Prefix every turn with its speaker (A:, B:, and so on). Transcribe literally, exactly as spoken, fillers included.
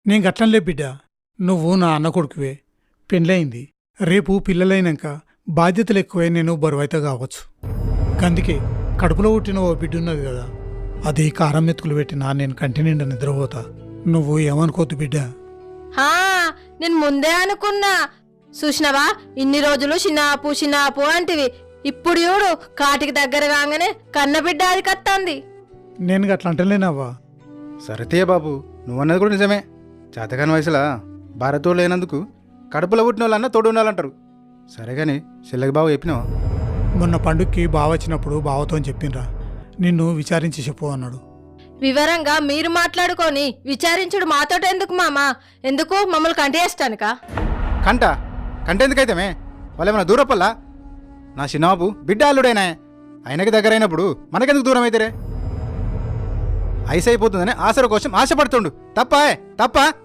A: నేను గట్లంలే బిడ్డ, నువ్వు నా అన్న కొడుకువే, పెండ్లయింది. రేపు పిల్లలైనాక బాధ్యతలు ఎక్కువై నేను బరువైతే కావచ్చు. అందుకే కడుపులో పుట్టిన ఓ బిడ్డున్నది కదా, అది కారం మెతుకులు పెట్టినా నేను కంటి నిండా నిద్రపోతా. నువ్వు ఏమనుకోద్దు బిడ్డ.
B: హా నేను ముందే అనుకున్నా. చూసినవా, ఇన్ని రోజులు చిన్నాపు చిన్నాపు అంటివి, ఇప్పుడు చూడు కాటికి దగ్గర కాగానే కన్నబిడ్డ అది కత్తంది.
A: నేను గట్ల అంటలేనవ్వా.
C: సరతయ్య బాబు, నువ్వన్నది కూడా నిజమే. చేతకాని వయసులా భారతోడు లేనందుకు కడుపులో పుట్టిన వాళ్ళన్నా తోడు ఉండాలంటారు. సరే కానీ చెల్లెకి బాబు చెప్పినావా?
A: మొన్న పండుగకి బావ వచ్చినప్పుడు బావతో చెప్పినరా, నిన్ను విచారించి చెప్పు అన్నాడు.
B: వివరంగా మీరు మాట్లాడుకొని విచారించుడు మాతోట ఎందుకు మామా? ఎందుకు మమ్మల్ని కంటేస్తానుక?
C: కంట కంట ఎందుకైతేమే? వాళ్ళేమన్నా దూరపల్లా? నా చిన్నబాబు బిడ్డ అల్లుడైనా, ఆయనకి దగ్గర అయినప్పుడు మనకెందుకు దూరం అయితేరే? ఐస్ అయిపోతుందని ఆసర కోసం ఆశపడుతుండు తప్ప తప్ప